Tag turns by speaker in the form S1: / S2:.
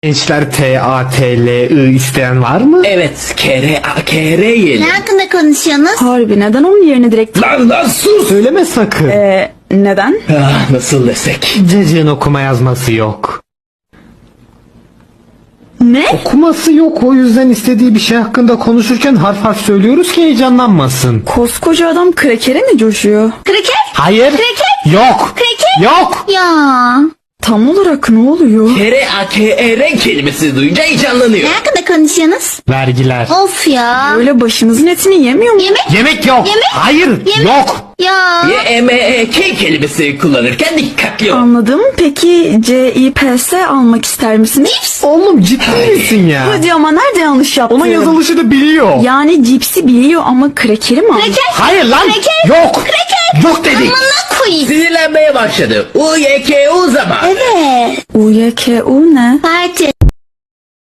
S1: Gençler TATLI isteyen var mı?
S2: Evet, KR yiyelim.
S3: Ne hakkında konuşuyorsunuz?
S4: Harbi neden onun yerine direkt...
S2: Lan sus!
S1: Söyleme sakın.
S4: Neden?
S2: Nasıl desek?
S1: Cacığın okuma yazması yok.
S4: Ne?
S1: Okuması yok, o yüzden istediği bir şey hakkında konuşurken harf harf söylüyoruz ki heyecanlanmasın.
S4: Koskoca adam krekere mi coşuyor?
S3: Kraker?
S1: Hayır.
S3: Kreket?
S1: Yok.
S3: Kreket?
S1: Yok.
S3: Ya.
S4: Tam olarak ne oluyor?
S2: KR kelimesi duyunca heyecanlanıyor.
S3: Ne hakkında konuşuyorsunuz?
S1: Vergiler.
S3: Of ya.
S4: Öyle başımızın etini yemiyor mu?
S3: Yemek?
S1: Yemek yok.
S3: Yemek?
S1: Hayır. Yok.
S3: Ya.
S2: YMEK kelimesi kullanırken dikkatli ol.
S4: Anladım. Peki CIPS almak ister misiniz?
S3: Cips.
S1: Oğlum ciddi misin ya?
S4: Hadi ama nerede yanlış yaptım?
S1: Onun yazılışı da biliyor.
S4: Yani cipsi biliyor ama krekeri mi almış?
S3: Kraker?
S1: Hayır lan.
S3: Kreket?
S1: Yok.
S3: Kreket?
S1: Yok dedik.
S3: Amına koyayım.
S2: Sinirlenmeye başladı. UYKU zaman.
S3: Evet.
S4: UYKU ne?
S3: Parti.